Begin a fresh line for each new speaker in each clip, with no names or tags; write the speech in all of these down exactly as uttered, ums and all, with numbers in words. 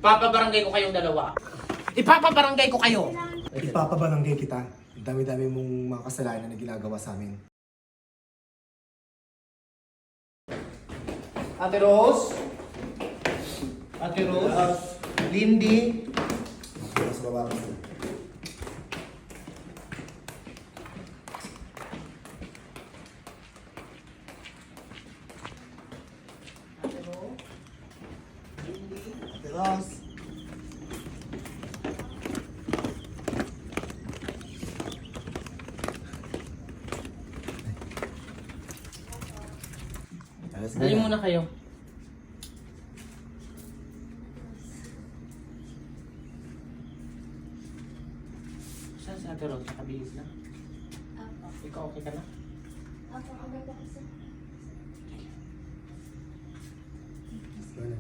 Ipapabarangay ko kayong dalawa. Ipapabarangay ko kayo.
Ipapabarangay kita. Dami-dami mong mga kasalanan na ginagawa sa amin.
Ate Rose? Ate Rose? Lindy?
Mas baba ka.
Ate Rose? Lindy? Ate Rose?
Dali muna kayo. Saan si Ate Rose? Nakabihis na?
Apo.
Ikaw okay ka na?
Apo, agad ako sa...
Ano?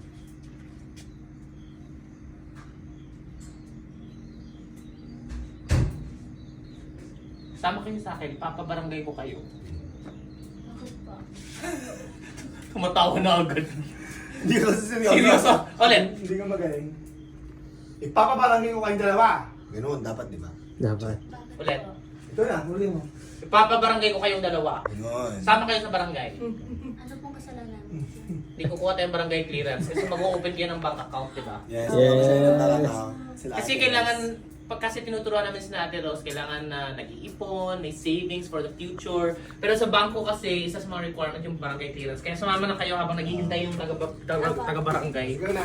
Sama kayo sa akin. Ipapabarangay ko kayo.
Bakit po?
Tumatawa na agad.
Hindi ka kasi seryoso.
Seryoso? Ulit.
Hindi ka magaling. Ipapabarangay ko kayong dalawa. Ganoon, dapat di ba?
Dapat.
Bakit
Ulit.
po?
Ito na, huli mo.
Ipapabarangay ko kayong dalawa.
Ganoon.
Sama kayo sa barangay.
Ano pong kasalanan?
Hindi kukuha tayong barangay clearance kasi mag-open kayo ng bank account, di ba?
Yes.
Yes.
Sila
Kasi
ate.
kailangan, pag kasi tinuturuan namin si Ate Rose, kailangan na nag-iipon, may savings for the future. Pero sa bangko kasi, isa sa mga requirement yung barangay clearance. Kaya sumama na kayo habang naghihintay yung taga- taga- taga-barangay.
Ikaw na.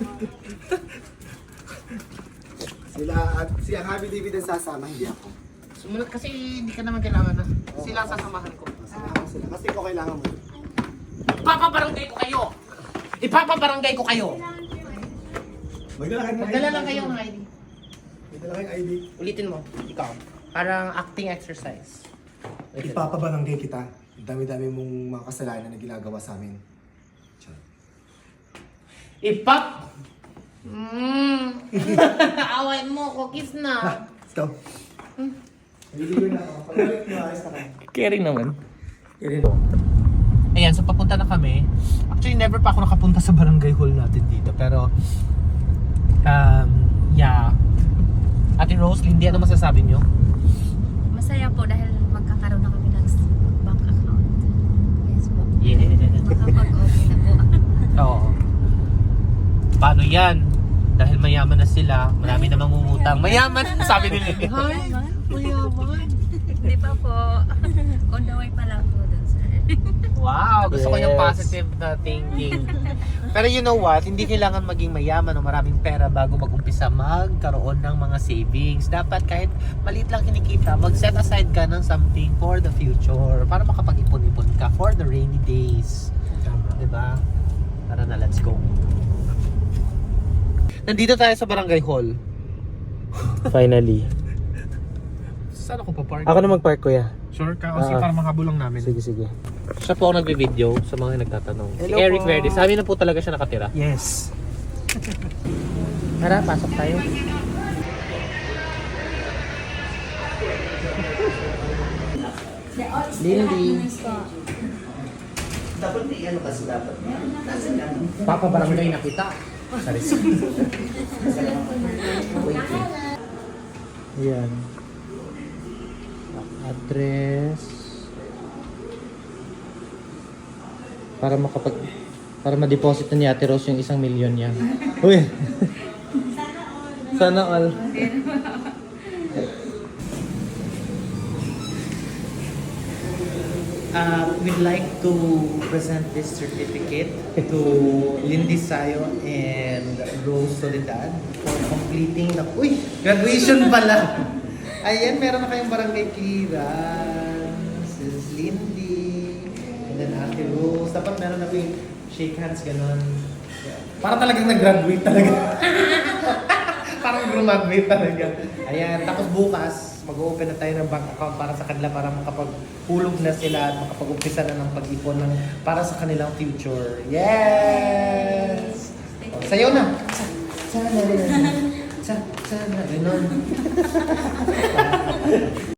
Sila at si ang Happy David ang sasama, hindi ako.
Sumunod kasi hindi ka naman kailangan na. Sila ang sasamahan ko.
Sasama ko sila. Kasi ikaw kailangan mo.
Ipapabarangay ko kayo! Ipapabarangay ko kayo!
Magdala kayo ng
Magdala lang kayo ng I D.
Magdala kayong I D.
Ulitin mo, ikaw. Parang acting exercise.
Ipapabarangay kita. Dami-dami mong mga kasalanan na ginagawa sa amin. Tiyan.
Ipap! Mmm! Away mo, cookies na.
Let's go. Hindi ko na ako. Pag-ulit mo, ayos na kayo.
Caring naman. Ayan, so papunta na kami. Actually, never pa ako nakapunta sa barangay hall natin dito. Pero, um, yeah. Ate Rose, Lindy, ano masasabi nyo?
Masaya po dahil magkakaroon na kami ng bank account. Yes po.
Yeah.
Makapag-okay na po.
Oo. Paano yan? Dahil mayaman na sila, marami na mangungutang. Mayaman, sabi ni Lindy. Hi, mayaman.
Hindi pa po. On the way pa lang po dun, sir.
Wow, gusto ko yung
Yes.
positive na thinking. Pero you know what, hindi kailangan maging mayaman o maraming pera bago mag-umpisa magkaroon ng mga savings. Dapat kahit maliit lang kinikita, mag-set aside ka ng something for the future para makapag-ipon-ipon ka for the rainy days. Diba? Tara na, let's go. Nandito tayo sa barangay hall.
Finally.
Saan ako pa-park?
Ako na mag-park, kuya.
Sure ka?
Kasi para
makabulang namin.
Sige, sige.
Siya po ang nagbe-video sa mga nagtatanong. Si
Hello
Eric
po.
Verde. Sa amin na po talaga siya nakatira.
Yes.
Tara, pasok tayo. Lindy.
Dapat may ano kasi dapat.
Papabarangay na kita. Sorry.
Ayan. Address. Para makapag... Para ma-deposit na ni Ate Rose yung isang milyon niya. Uy! Sana all.
Uh, we'd like to present this certificate to Lindy Sayo and Rose Soledad for completing the... Uy! Graduation pala! Ayan, meron na kayong barangay clearance. This is Lindy. And then Ate Rose. Dapat meron na kayong shake hands, ganon. Yeah. Para talagang nag-graduate talaga. Parang graduate talaga. Ayan, tapos bukas, mag-open na tayo ng bank account para sa kanila para makapag-hulog na sila at makapag-umpisa na ng pag-ipon ng, para sa kanilang future. Yes! O, sayaw na! Sa, sana, sa, sana, ganon.